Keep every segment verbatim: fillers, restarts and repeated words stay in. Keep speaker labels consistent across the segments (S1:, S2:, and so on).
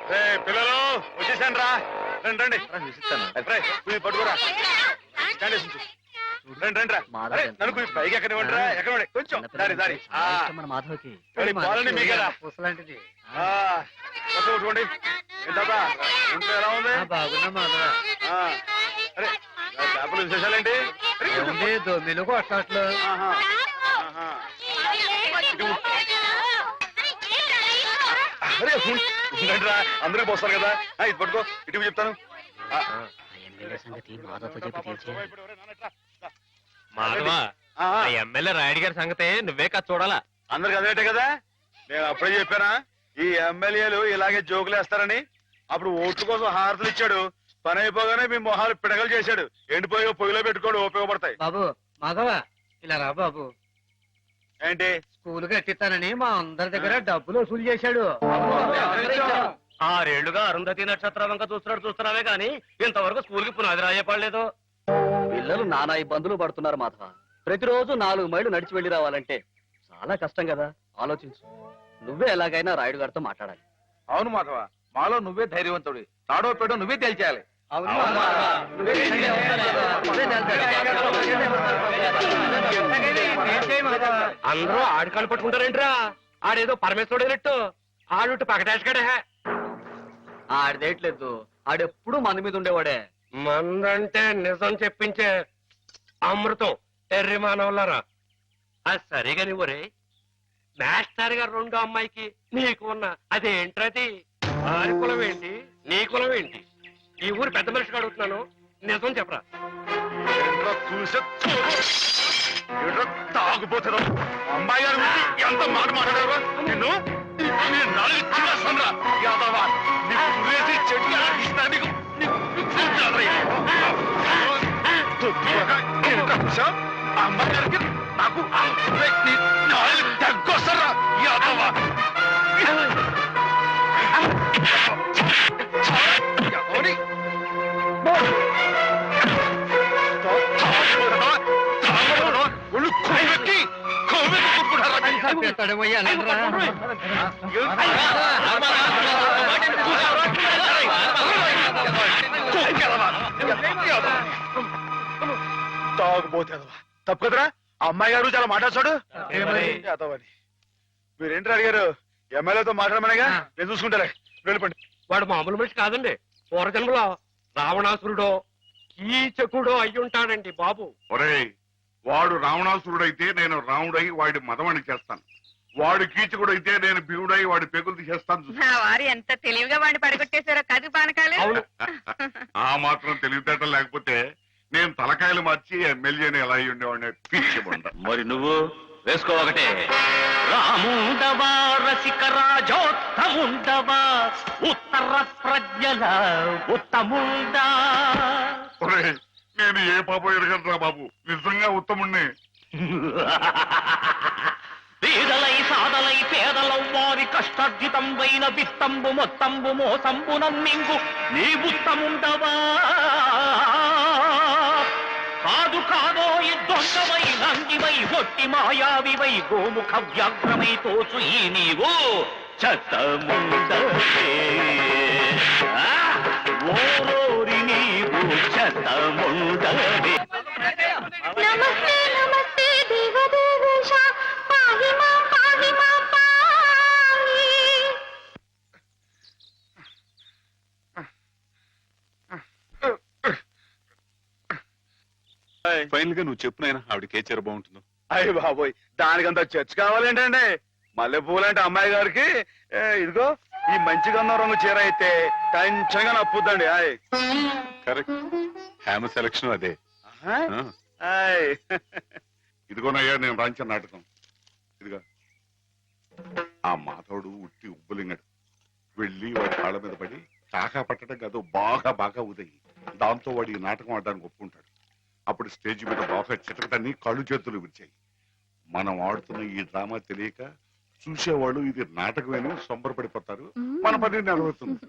S1: పిల్లలు వచ్చేసాను రా రండి రండి పట్టుకోరా రండి రండి రా నన్ను పైకి ఎక్కడ రా ఎక్కడ కొంచెం దారి దారి
S2: మాధవకి
S1: పాలని మీ కదా
S2: పుసలాంటిది
S1: కొట్టుకోండి ఏంటా ఇంట్లో ఎలా ఉంది
S2: బాగున్నా మాధవ
S1: అరే చేపలు విశేషాలేంటి
S2: దొమ్మిలు కొట్టట్లు
S1: రా అందరికి పోస్తారు కదా ఇది పట్టుకో ఇటు చెప్తాను
S2: సంగతి మాధవతో చెప్పి
S3: మాధవా ఎమ్మెల్యే రాయుడు గారి సంగతే నువ్వే కదా చూడాలా
S1: అందరికి అదేటే కదా నేను అప్పుడే చెప్పానా ఈ ఎమ్మెల్యేలు ఇలాగే జోకులు వేస్తారని అప్పుడు ఓట్ల కోసం హారతులు ఇచ్చాడు పని అయిపోగానే మీ మొహాలు పిడగలు చేశాడు ఎండిపోయి పొయ్యిలో పెట్టుకోడు ఉపయోగపడతాయి
S2: బాబు మాధవ ఇలా రా బాబు
S1: ఏంటి
S2: స్కూల్ కట్టిస్తానని మా అందరి దగ్గర డబ్బులు వసూలు చేశాడు
S3: ఆరేళ్లుగా అరుంధతి నక్షత్రం వంక చూస్తున్నాడు చూస్తున్నావే గాని ఇంతవరకు స్కూల్ కి పునాది రాయపడలేదు
S4: పిల్లలు నానా ఇబ్బందులు పడుతున్నారు మాధవ ప్రతిరోజు నాలుగు మైళ్ళు నడిచి వెళ్లి రావాలంటే చాలా కష్టం కదా ఆలోచించు నువ్వే ఎలాగైనా రాయుడు గారితో మాట్లాడాలి.
S1: అవును మాధవ మాలో నువ్వే ధైర్యవంతుడి తాడో పేడో నువ్వే తేల్చేయాలి.
S3: అందరూ ఆడికాళ్ళు పట్టుకుంటారేంట్రా ఆడేదో పరమేశ్వరుడైనట్టు ఆడు పకటేసుకడే
S4: ఆడదేట్లేదు ఆడెప్పుడు మంది మీద ఉండేవాడే
S3: మందంటే నిజం చెప్పించే అమృతం ఎర్రి మానవులారా అది సరిగా నువ్వరే మాస్టర్ గారు రెండో అమ్మాయికి నీకు ఉన్న అదేంట్రది ఆరి కులం ఏంటి నీ కులం ఏంటి ఈ ఊరు పెద్ద మనిషికి అడుగుతున్నాను నిజం చెప్పరా
S1: తాగుపోతారు అమ్మాయి గారు ఎంత మాట మాట్లాడారు నిన్ను అమ్మాయి గారికి నాకు తగ్గొస్తారా యాదవా తాగుపోతేదవా తప్పు కదరా అమ్మాయి గారు చాలా మాట్లాడు యాదవని మీరేంటి అడిగారు ఎమ్మెల్యేతో మాట్లాడమనేగా నేను చూసుకుంటారా వెళ్ళిపోండి.
S3: వాడు మామూలు మనిషి కాదండి పూర్వజన్మలో రావణాసురుడో కీచకుడో అయి ఉంటాడండి బాబు.
S5: ఒరేయ్ వాడు రావణాసురుడైతే నేను రాముడై వాడి మదమని చేస్తాను, వాడు కీచకుడైతే నేను భీముడై వాడి పెగులు తీసేస్తాను.
S6: వారు ఎంత తెలివిగా వాడిని పడగొట్టేశారో కదు పానకాలు.
S5: ఆ మాత్రం తెలివితేటం లేకపోతే నేను తలకాయలు మార్చి ఎమ్మెల్యేని ఎలా అయి ఉండేవాడిని పిచ్చిబండ.
S3: మరి నువ్వు వేసుకో ఒకటే రాముండవా రసిక రాజోత్తముండవా ఉత్తర ప్రజ్ఞల ఉత్తముండా.
S5: ఒరేయ్ నేను ఏ పాపం ఎరగట్రా బాబు, నిజంగా ఉత్తముణ్ణి.
S3: పేదలై సాదలై పేదలం వారి కష్టార్జితం వైన విత్తంబు మొత్తంబు మోసంబు నమ్మింగు నీ ఉత్తముండవా. కాదు కాదో ఈ దొంగవై నంగివై ఒట్టి మాయావివై గోముఖ వ్యాఘ్రమై తోచు ఈ నీవు చెత్తముండవే ఓరోరి నీవు చెత్తముండవే.
S7: నమస్తే నమస్తే దేవదేవేశ పాహి మాం పాహి మాం పాహి.
S5: ఫైనల్ గా నువ్వు చెప్పు నాయనా ఆవిడకి ఏ చీర బాగుంటుందో.
S1: అయ్య బాబోయ్ దానికంత చర్చ కావాలేంటండి. మల్లె పూలంటే అమ్మాయి గారికి ఇదిగో ఈ మంచి గంధం రంగు చీర అయితే టెన్షన్ గా నప్పుద్దండి. ఆయ్
S5: కరెక్ట్, హ్యామ సెలక్షన్ అదే.
S1: ఆయ్
S5: ఇదిగోనయ్యా నేను రాంచిన నాటకం. ఇదిగా ఆ మాధవుడు ఉట్టి ఉబ్బులింగడు వెళ్ళి వాడి కాళ్ళ మీద పడి కాకా పట్టడం కాదు బాగా బాగా ఉదయి దాంతో వాడి ఈ నాటకం ఆడడానికి ఒప్పుకుంటాడు. అప్పుడు స్టేజ్ మీద బాగా చిటకటాన్ని కళ్ళు చేతులు విరిచాయి. మనం ఆడుతున్న ఈ డ్రామా తెలియక చూసేవాళ్ళు ఇది నాటకమేని సంబరపడిపోతారు, మన పని నెరవేరుతుంది.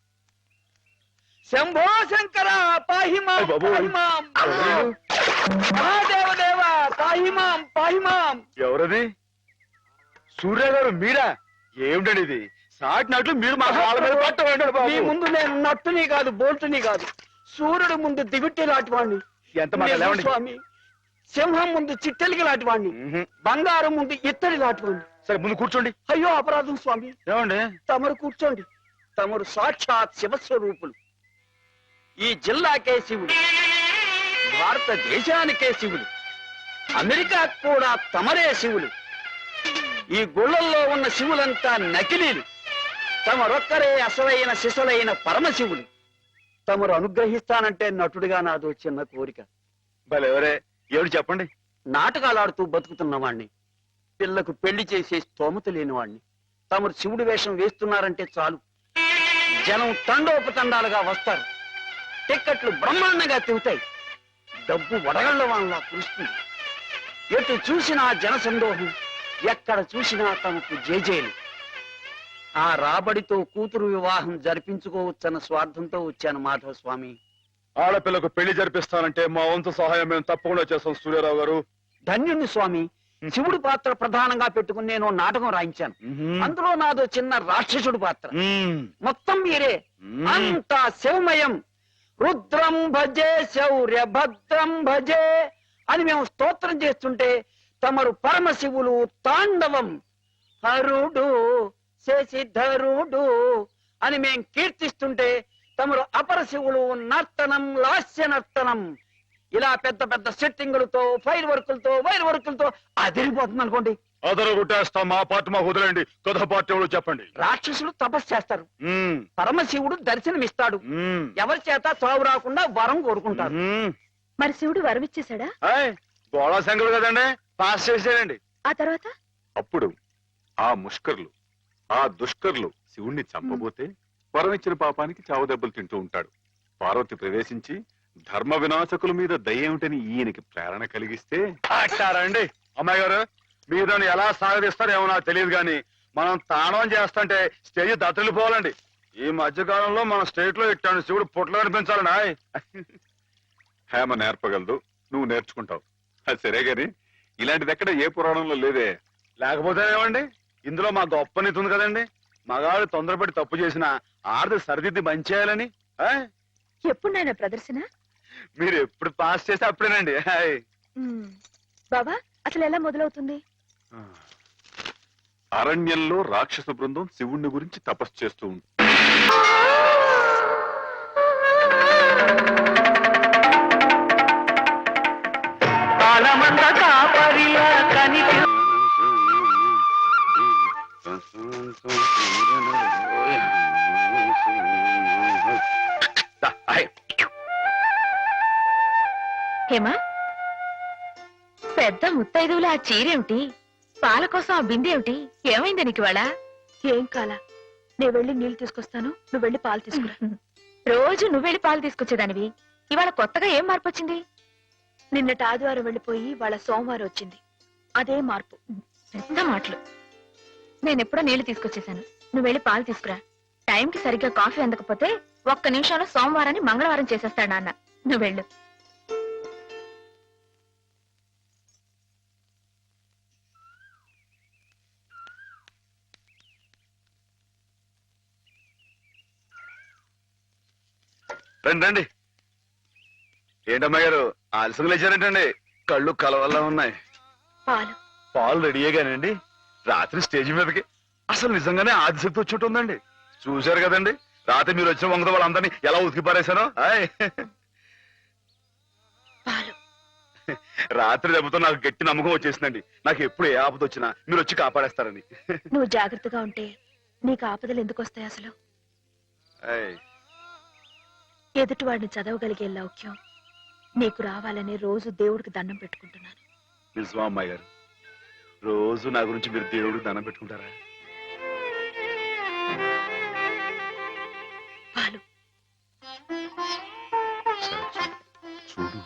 S2: శంభో శంకర పాహిమాం పాహిమాం మహాదేవదేవ పాహిమాం పాహిమాం.
S1: ఎవరది? సూర్య గారు మీరా? ఏమిటండి ఇది సాటినట్లు మీరు మా కాళ్ళ మీద పట్టమండి
S2: మీ
S1: బాబు.
S2: ముందు నేను నట్టుని కాదు బోల్టుని కాదు సూర్యుడు ముందు దివిట్టి లాంటి వాణ్ణి
S1: ఎంత మాట లేవండి.
S2: స్వామి సింహం ముందు చిట్టెలికి లాంటి వాణ్ణి
S1: మ్హూ.
S2: బంగారం ముందు ఇత్తడి లాంటి వాణ్ణి
S1: సరే ముందు కూర్చోండి.
S2: అయ్యో అపరాధం స్వామి
S1: ఏమండి
S2: తమరు కూర్చోండి తమరు సాక్షాత్ శివస్వరూపులు ఈ జిల్లాకే శివుడు భారతదేశానికే శివుడు అమెరికా కూడా తమరే శివులు ఈ గుళ్ళల్లో ఉన్న శివులంతా నకిలీలు తమరొక్కరే అసలైన శిశులైన పరమశివులు తమరు అనుగ్రహిస్తానంటే నటుడిగా నాదో చిన్న కోరిక
S1: భలే ఎవరే ఎవరు చెప్పండి.
S2: నాటకాలాడుతూ బతుకుతున్నవాణ్ణి పిల్లకు పెళ్లి చేసే స్తోమత లేనివాణ్ణి తమరు శివుడి వేషం వేస్తున్నారంటే చాలు జనం తండోపతండాలుగా వస్తారు టిక్కెట్లు బ్రహ్మాండంగా తిరుగుతాయి డబ్బు వడగళ్ల వాళ్ళ కురుస్తుంది ఎటు చూసినా జన సందోహం ఎక్కడ చూసినా తమకు జేజేలు ఆ రాబడితో కూతురు వివాహం జరిపించుకోవచ్చన్న స్వార్థంతో వచ్చాను మాధవ స్వామి
S1: ఆడపిల్లకు పెళ్లి జరిపిస్తానంటే మా వంతు సహాయం మేము తప్పకుండా చేస్తాం సూర్యారావు గారు.
S2: ధన్యుణ్ణి స్వామి శివుడి పాత్ర ప్రధానంగా పెట్టుకుని నేను నాటకం రాయించాను అందులో నాదో చిన్న రాక్షసుడు పాత్ర
S1: మ్మ్.
S2: మొత్తం మీరే
S1: మ్మ్.
S2: అంతా శివమయం రుద్రం భజే శౌర్య భద్రం భజే అని మేము స్తోత్రం చేస్తుంటే తమరు పరమశివులు తాండవం హరుడు శశిధరుడు అని మేం కీర్తిస్తుంటే తమరు అపరశివులు నర్తనం లాస్య నర్తనం ఇలా పెద్ద పెద్ద సెట్టింగులతో ఫైర్ వర్కులతో వైర్ వర్కులతో అదిరిపోతుంది అనుకోండి
S1: అదరు కొట్టేస్తాం మా పార్టీ మాకు వదిలేండి కథ పార్టీ ఎవరో చెప్పండి.
S2: రాక్షసులు తపస్సు చేస్తారు
S1: మ్మ్.
S2: పరమశివుడు దర్శనమిస్తాడు
S1: మ్మ్.
S2: ఎవరి చేత చావు రాకుండా వరం కోరుకుంటారు
S1: మ్మ్.
S6: మరి శివుడు వరమిచ్చేశాడా?
S1: ఆయ్, గోళా శంకరుడు కదండి పాస్ చేసేయండి.
S6: ఆ తర్వాత
S5: అప్పుడు ఆ ముష్కర్లు ఆ దుష్కర్లు శివుణ్ణి చంపబోతే వరం ఇచ్చిన పాపానికి చావు దెబ్బలు తింటూ ఉంటాడు. పార్వతి ప్రవేశించి ధర్మ వినాశకుల మీద దయ్యేమిటని ఈయనకి ప్రేరణ కలిగిస్తే
S1: అంటారండి అమ్మాయి గారు మీరు దాన్ని ఎలా సాగదీస్తారో ఏమో నాకు తెలియదు కానీ మనం తాణం చేస్తుంటే స్టేజ్ దత్తలిపోవాలండి. ఈ మధ్య కాలంలో మన స్టేట్ లో ఇట్టాను శివుడు పుట్లు కనిపించాలండి. ఆయ్.
S5: హేమ నేర్పగలదు, నువ్వు నేర్చుకుంటావు. అది సరే గాని ఇలాంటిది ఎక్కడ ఏ పురాణంలో లేదే.
S1: లేకపోతే ఏమండి ఇందులో మా గొప్ప నీతి ఉంది కదండి మగాడు తొందరపడి తప్పు చేసిన ఆడది సరిదిద్ది మంచి చేయాలని. ఆయ్.
S6: ఎప్పుడు నాయన ప్రదర్శన?
S1: మీరు ఎప్పుడు పాస్ చేస్తే అప్పుడేనండి. ఆయ్.
S6: బాబా అసలు ఎలా మొదలవుతుంది?
S5: అరణ్యంలో రాక్షస బృందం శివుణ్ణి గురించి తపస్సు చేస్తూ ఉంది.
S1: దా, ఆయ్.
S6: హేమా పెద్ద ముత్తైదువులు ఆ చీరేమిటి? పాల కోసం ఆ బిందె ఏమిటి? ఏమైంది నీకు ఇవాళ? ఏం కాల నేను వెళ్ళి నీళ్లు తీసుకొస్తాను నువ్వు వెళ్ళి పాలు తీసుకురా. రోజు నువ్వు వెళ్ళి పాలు తీసుకొచ్చేదానివి ఇవాళ కొత్తగా ఏం మార్పు వచ్చింది? నిన్నటి ఆదివారం వెళ్ళిపోయి వాళ్ళ సోమవారం వచ్చింది అదే మార్పు. పెద్ద మాటలు. నేను ఎప్పుడో నీళ్లు తీసుకొచ్చేసాను నువ్వు వెళ్ళి పాలు తీసుకురా. టైంకి సరిగ్గా కాఫీ అందకపోతే ఒక్క నిమిషంలో సోమవారాన్ని మంగళవారం చేసేస్తాడు నాన్న. నువ్వు వెళ్ళు.
S1: రండి రండి. ఏంటమ్మా గారు ఆలస్యం లేచారంటండి? కళ్ళు కలవల్లా ఉన్నాయి.
S6: పాలు
S1: పాలు రెడీయేగానండి. రాత్రి స్టేజ్ మీదకి అసలు నిజంగానే ఆదిశక్తి వచ్చి ఉంటుందండి. చూశారు కదండి రాత్రి మీరు వచ్చిన వంగత వాళ్ళందరినీ ఎలా ఉతికి పారేశానో. ఆయ్.
S6: పాలు
S1: రాత్రి దెబ్బతో నాకు గట్టి నమ్మకం వచ్చేసిందండి. నాకు ఎప్పుడు ఏ ఆపద వచ్చినా మీరు వచ్చి కాపాడేస్తారని.
S6: నువ్వు జాగ్రత్తగా ఉంటే నీకు ఆపదలు ఎందుకు వస్తాయి? అసలు
S1: ఆయ్.
S6: ఎదుటి వాడిని చదవగలిగే లౌక్యం నీకు రావాలని రోజు దేవుడికి దండం పెట్టుకుంటున్నాను.
S1: నిజమా అమ్మాయి గారు? రోజు నా గురించి మీరు దేవుడికి దండం పెట్టుకుంటారా?
S6: పాలు
S5: చూడు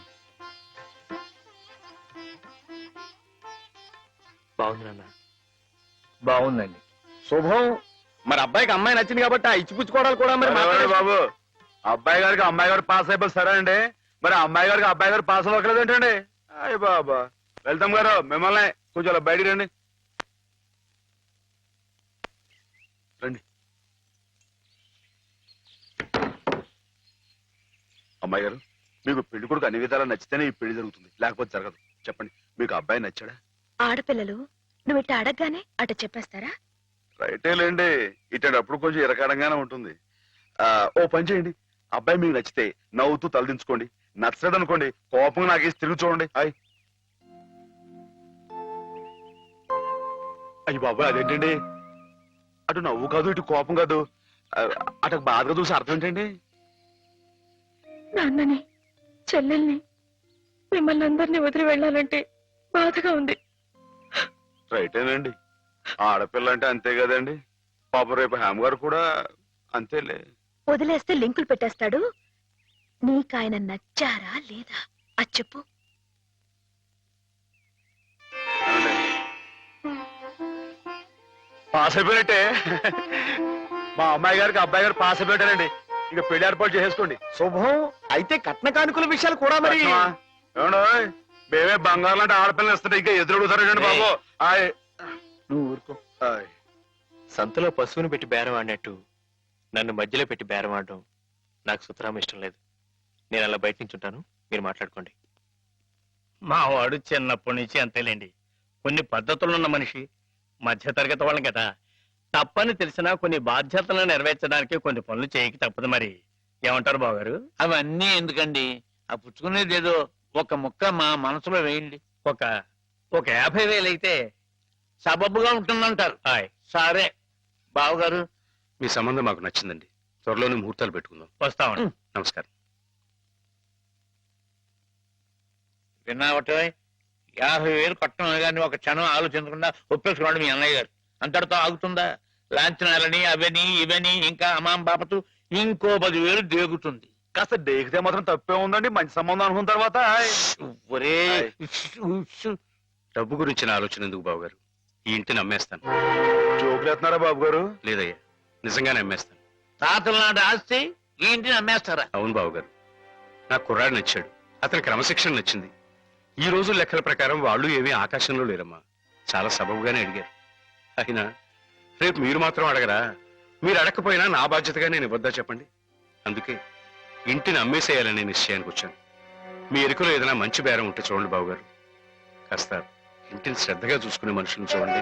S2: బాగుంది నాన్న బాగుందండి. శుభం. మరి అబ్బాయికి అమ్మాయి నచ్చింది కాబట్టి ఆ ఇచ్చిపుచ్చుకోవడాలు కూడా మరి
S1: ఎవరండి
S2: మాట్లాడే-
S1: బాబు అబ్బాయి గారికి అమ్మాయి గారు పాస్ అయిపోయి సరే అండి మరి అమ్మాయి గారికి అబ్బాయి గారు పాస్ అవ్వట్లేదు ఏంటండి? అయ్య బాబా వెళ్తాం గారు మిమ్మల్ని కొంచెం అలా బయటికి రండి. రండి అమ్మాయి గారు మీకు పెళ్లి కొడుకు అన్ని విధాలా నచ్చితేనే ఈ పెళ్లి జరుగుతుంది, లేకపోతే జరగదు. చెప్పండి, మీకు అబ్బాయి నచ్చాడా?
S6: ఆడపిల్లలు నువ్వు ఇట్ట అడగగానే అట చెప్పేస్తారా?
S1: రైటే లేండి, ఇటప్పుడు కొంచెం ఇరకాడంగానే ఉంటుంది. ఆ ఓ పని చేయండి, అబ్బాయి మీకు నచ్చితే నవ్వుతూ తలదించుకోండి, నచ్చడు అనుకోండి కోపంగా నాకేసి తిరిగి చూడండి. హాయ్ అయ్యి బాబాయ్ అదేంటండి, అటు నవ్వు కాదు ఇటు కోపం కాదు, ఆ, అటు బాధగా చూసి అర్థం ఏంటండి?
S6: నాన్నని చెల్లెల్ని మిమ్మల్ని అందరినీ వదిలి వెళ్ళాలంటే బాధగా ఉంది.
S1: రైటేనండి, ఆడపిల్ల అంటే అంతే కదండి. పాప రేపు హేమ గారు కూడా అంతేలే.
S6: వదిలేస్తే లింకులు పెట్టేస్తాడు. నీకాయన నచ్చారా లేదా అది చెప్పు.
S1: ఏమండి? పాస్ అయిపోయినట్టే, మా అమ్మాయి గారికి అబ్బాయి గారు పాస్ అయిపోయారండి. ఇక పెళ్లి ఏర్పాటు చేసేసుకోండి.
S2: శుభం. అయితే కట్న కానుకల విషయాలు కూడా మరి
S1: ఏమండో మేమే బంగారం లాంటి ఆడపిల్లలు ఇస్తుంటే ఇంకా ఎదురుడుతారండి బాబు. ఆయ్
S2: నువ్వు ఊరుకో.
S1: ఆయ్
S8: సంతలో పశువుని పెట్టి బేరం ఆడినట్టు నన్ను మధ్యలో పెట్టి బేరం ఆడడం నాకు సుతరాం ఇష్టం లేదు. నేను అలా బయట నుంచి ఉంటాను, మీరు మాట్లాడుకోండి.
S3: మా వాడు చిన్నప్పటి నుంచి అంతేలేండి. కొన్ని పద్ధతులున్న మనిషి, మధ్యతరగతి వాళ్ళం కదా. తప్పని తెలిసినా కొన్ని బాధ్యతలను నెరవేర్చడానికి కొన్ని పనులు చేయక తప్పదు. మరి ఏమంటారు బావగారు?
S9: అవన్నీ ఎందుకండి, ఆ పుచ్చుకునేది ఏదో ఒక ముక్క మా మనసులో వేయండి.
S3: ఒక ఒక యాభై వేలు అయితే
S9: సబబుగా ఉంటుందంటారు.
S3: హాయ్
S9: సరే బావగారు,
S8: మీ సంబంధం మాకు నచ్చిందండి. త్వరలోనే ముహూర్తాలు పెట్టుకుందాం.
S3: వస్తామండి.
S8: నమస్కారం.
S9: విన్నావటే యాభై వేలు కట్టడం కానీ ఒక క్షణం ఆలోచించకుండా ఒప్పేసుకోండి మీ అన్నయ్య గారు. అంతటితో ఆగుతుందా? లాంఛనాలని అవని ఇవని ఇంకా అమాం బాపతు ఇంకో పదివేలు దేగుతుంది.
S1: కాస్త డేకితే మాత్రం తప్పే ఉందండి, మంచి సంబంధం అనుకున్న తర్వాత. ఆయ్.
S9: ఒరే
S8: డబ్బు గురించిన ఆలోచన ఎందుకు బావగారు? ఈ ఇంటిని అమ్మేస్తాను.
S1: జోకులు ఎత్తున్నారా బాబు గారు?
S8: లేదయ్యా, నిజంగానే అమ్మేస్తాను.
S9: తాతల నాటి ఆస్తి ఈ ఇంటిని అమ్మేస్తారా?
S8: అవును బావగారు, నాకు కుర్రాడు నచ్చాడు, అతని క్రమశిక్షణ నచ్చింది. ఈ రోజు లెక్కల ప్రకారం వాళ్ళు ఏమీ ఆకాశంలో లేరమ్మా, చాలా సబబుగానే అడిగారు. అయినా రేపు మీరు మాత్రం అడగరా? మీరు అడగకపోయినా నా బాధ్యతగా నేను ఇవ్వద్దా చెప్పండి? అందుకే ఇంటిని అమ్మేసేయాలనే నిశ్చయానికి వచ్చాను. మీ ఎరుకలో ఏదైనా మంచి బేరం ఉంటే చూడండి బావగారు. కాస్త ఇంటిని శ్రద్ధగా చూసుకునే మనుషులను చూడండి.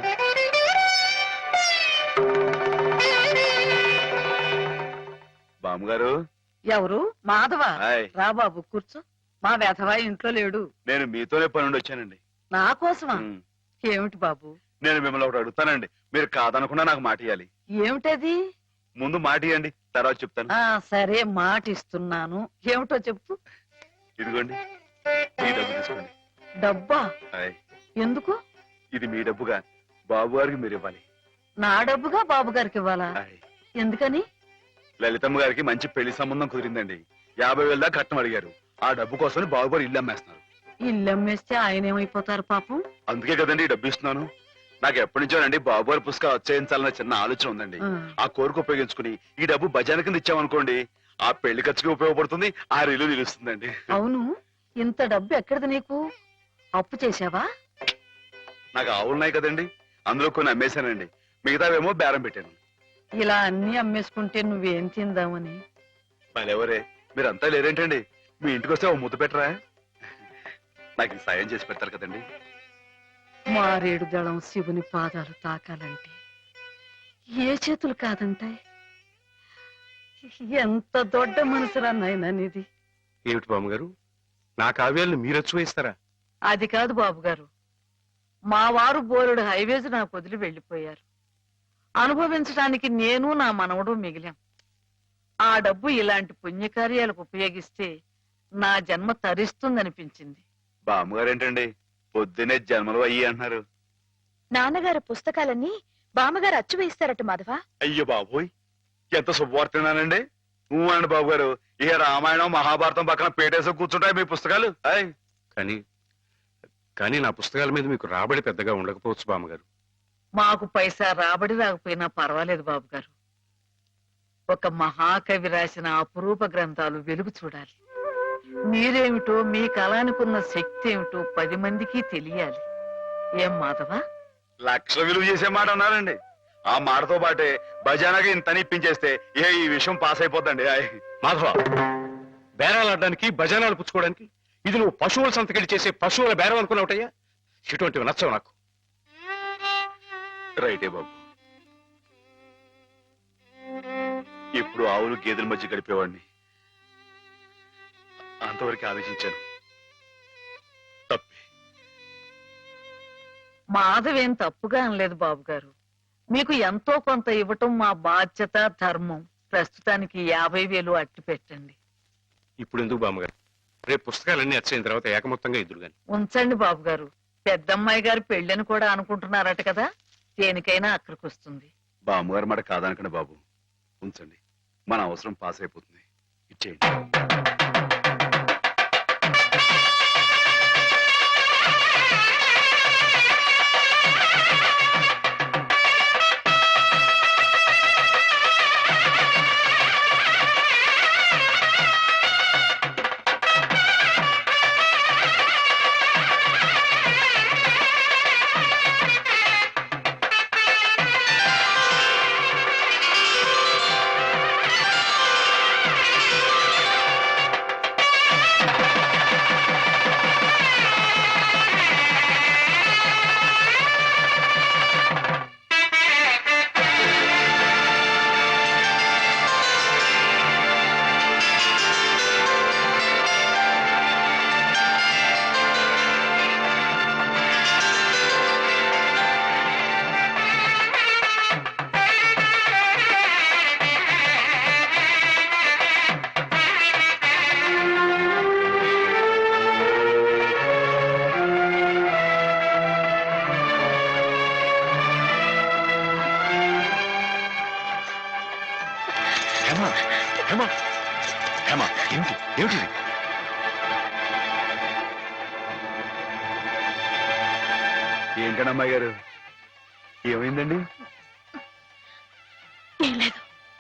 S1: బామ్మగారు.
S10: ఎవరు? మాధవ.
S1: హాయ్.
S10: రా బాబు కూర్చో. మా వెధవా ఇంట్లో లేడు.
S1: నేను మీతోనే పని నుండి వచ్చానండి.
S10: నా కోసమా?
S1: ఉమ్.
S10: ఏమిటి బాబు?
S1: నేను మిమ్మల్ని ఒకటి అడుగుతానండి, మీరు కాదనకుండా నాకు మాట ఇవ్వాలి.
S10: ఏమిటది?
S1: ముందు మాట ఇవ్వండి, తర్వాత చెప్తాను.
S10: ఆ సరే, మాట ఇస్తున్నాను. ఏమిటో చెప్పు.
S1: ఇదిగోండి, ఈ డబ్బు తీసుకోండి.
S10: డబ్బా?
S1: హాయ్.
S10: ఎందుకు?
S1: ఇది మీ డబ్బుగా బాబు గారికి మీరు ఇవ్వాలి.
S10: నా డబ్బుగా బాబు గారికి ఇవ్వాలా?
S1: హాయ్.
S10: ఎందుకని?
S1: లలితమ్మ గారికి మంచి పెళ్లి సంబంధం కుదిరిందండి. యాభై వేల దాకా కట్నం అడిగారు. ఆ డబ్బు కోసం బాబు గారు ఇల్లు అమ్మేస్తున్నారు.
S10: ఇల్లు అమ్మేస్తే ఆయన ఏమైపోతారు పాపం?
S1: అందుకే కదండి ఈ డబ్బు ఇస్తున్నాను. నాకు ఎప్పటి నుంచోనండి బాబు గారి పుస్తకం వచ్చేయించాలన్న చిన్న ఆలోచన ఉందండి.
S10: ఆ.
S1: ఆ కోరిక ఉపయోగించుకుని ఈ డబ్బు బజాన కింద ఇచ్చామనుకోండి, ఆ పెళ్లి ఖర్చుకి ఉపయోగపడుతుంది, ఆ ఇల్లు నిలుస్తుందండి.
S10: అవును, ఇంత డబ్బు ఎక్కడిది నీకు? అప్పు చేశావా?
S1: నాకు ఆవులున్నాయి కదండి, అందులో కొన్ని అమ్మేశానండి, మిగతావేమో బేరం పెట్టాను.
S10: ఇలా అన్ని అమ్మేసుకుంటే నువ్వేం తిందామని.
S1: మళ్ళెవరే మీరంతా లేరేంటండి? మీ ఇంటికి వస్తే ఓ ముద్దు పెట్టరా? నాకు ఈ సాయం చేసి పెడతారు కదండి.
S10: మారేడు దళం శివుని పాదాలు తాకాలంటే ఏ చేతులు కాదంటాయి? ఎంత దొడ్డ మనసురా నాయనా నీది.
S8: ఏమిటి బామ్మగారు, నా కావ్యాలను మీరు వచ్చి
S10: అది కాదు బాబు గారు, మా వారు బోలుడు హైవేస్ నాకు వదిలి వెళ్ళిపోయారు. అనుభవించడానికి నేను నా మనవడు మిగిలాం. ఆ డబ్బు ఇలాంటి పుణ్యకార్యాలకు ఉపయోగిస్తే నా జన్మ తరిస్తుందనిపించింది.
S1: బామ్మగారు ఏంటండి పొద్దునే జన్మలు అయ్యి అంటున్నారు?
S6: నాన్నగారు పుస్తకాలన్నీ బామ్మగారు అచ్చు వేయిస్తారట మాధవ.
S1: అయ్యో బాబోయ్, ఎంత శుభవార్తేనానండి. నువ్వు అండి బాబు గారు, ఇక రామాయణం మహాభారతం పక్కన పేటేసి కూర్చుంటాయి మీ పుస్తకాలు. అయ్
S8: కానీ కానీ నా పుస్తకాల మీద మీకు రాబడి పెద్దగా ఉండకపోవచ్చు బామ్మగారు.
S10: మాకు పైసా రాబడి రాకపోయినా పర్వాలేదు బాబు గారు. ఒక మహాకవి రాసిన అపురూప గ్రంథాలు వెలుగు చూడాలి. మీరేమిటో, మీ కళానికున్న శక్తి ఏమిటో పది మందికి తెలియాలి. ఏం మాధవా?
S1: లక్ష విలువ చేసే మాట అన్నారండి. ఆ మాటతో పాటే బజానాగా ఇంత ఇప్పించేస్తే ఏ ఈ విషయం పాస్ అయిపోద్దండి. ఆయ్
S8: మాధవ, బేరాలు ఆడడానికి భజనాలు పుచ్చుకోవడానికి ఇది నువ్వు పశువుల సంతకెళ్ళి చేసే పశువుల బేరం అనుకున్నావుటయ్యా? ఇటువంటివి నచ్చవు నాకు.
S1: రైటే బాబు. ఎప్పుడు ఆవులు గేదెల మధ్య గడిపేవాడిని, అంతవరకు ఆలోచించాను. తప్పే.
S10: మాధవేం తప్పుగా అనలేదు బాబు గారు. మీకు ఎంతో కొంత ఇవ్వటం మా బాధ్యత, ధర్మం. ప్రస్తుతానికి యాభై వేలు అట్టి పెట్టండి.
S8: ఇప్పుడు ఎందుకు బామ్మగారు? రేపు పుస్తకాలన్నీ వచ్చైన తర్వాత ఏకమొత్తంగా ఇద్దరు గాని.
S10: ఉంచండి బాబు గారు. పెద్దమ్మాయి గారు పెళ్ళని కూడా అనుకుంటున్నారట కదా, దేనికైనా అక్కడికి వస్తుంది.
S1: బామ్మగారు మాట కాదనకండి బాబు, ఉంచండి. మన అవసరం పాస్ అయిపోతుంది. ఇచ్చేయండి.
S8: హేమా, హేమా, హేమా, ఏమిటి ఏమిటి?
S1: ఏంటండి అమ్మాయి గారు, ఏమైందండి?
S6: ఏం లేదు.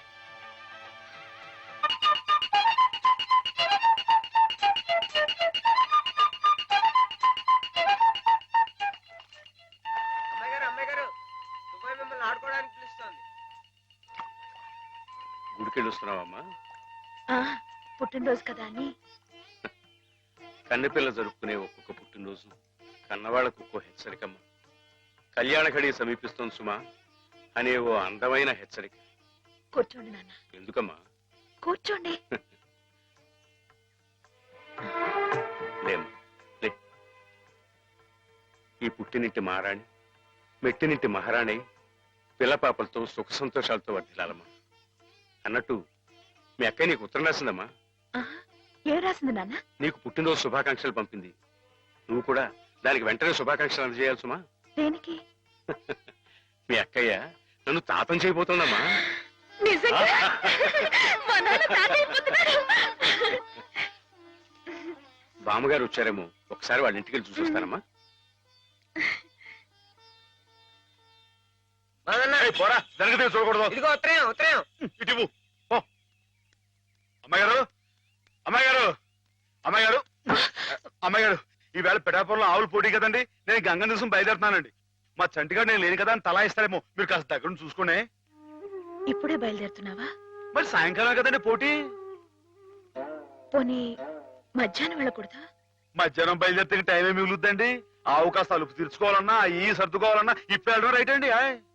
S8: గుడికెళ్ళి వస్తున్నావమ్మా?
S6: ఆ, పుట్టినరోజు కదా అని.
S8: కన్నెపిల్ల జరుపుకునే ఒక్కొక్క పుట్టినరోజు కన్నవాళ్లకు ఒక్కో హెచ్చరికమ్మ. కళ్యాణ ఘడి సమీపిస్తోంది సుమా అనే ఓ అందమైన హెచ్చరిక.
S6: కూర్చోండి నాన్న.
S8: ఎందుకమ్మా?
S6: కూర్చోండి.
S8: లేమ్మా, లే. ఈ పుట్టినింటి మహారాణి, మెట్టినింటి మహారాణి పిల్లపాపలతో సుఖ సంతోషాలతో వర్ధిల్లాలమ్మా. అన్నట్టు మీ అక్కయ్య నీకు ఉత్తరం రాసిందమ్మా.
S6: ఆహా, ఏం రాసింది నాన్న?
S8: నీకు పుట్టినరోజు శుభాకాంక్షలు పంపింది. నువ్వు కూడా దానికి వెంటనే శుభాకాంక్షలు అందజేయాలి సుమా.
S6: దేనికి?
S8: మీ అక్కయ్య నన్ను తాతం చేయబోతోందమ్మా.
S6: నిజంగా? మా నాన్న తాత అయిపోతున్నారు.
S8: బామ్మగారు వచ్చారేమో, ఒకసారి వాళ్ళ ఇంటికి వెళ్ళి చూసొస్తానమ్మా.
S1: పోరా, జరగదు, చూడకూడదు.
S3: ఇదిగో ఉత్తరం ఉత్తరం.
S1: ఇటు అమ్మాయి గారు, అమ్మాయి గారు, అమ్మాయి గారు, అమ్మాయి గారు, ఈవేళ పిఠాపురంలో ఆవులు పోటీ కదండి. నేను గంగ దివసం బయలుదేరుతున్నానండి. మా చంటిగాడు నేను లేని కదా అని తలా ఇస్తారేమో, మీరు కాస్త దగ్గర నుంచి చూసుకోండి.
S6: ఇప్పుడే బయలుదేరుతున్నావా?
S1: మరి సాయంకాలం కదండి పోటీ.
S6: పోనీ మధ్యాహ్నం వెళ్ళకూడదా?
S1: మధ్యాహ్నం బయలుదేరితే టైం ఏమి మిగులుద్దండి. ఆవు కాస్త అలుపు తీర్చుకోవాలన్నా, ఈ సర్దుకోవాలన్నా ఇప్పుడు వెళ్ళడం రైట్ అండి.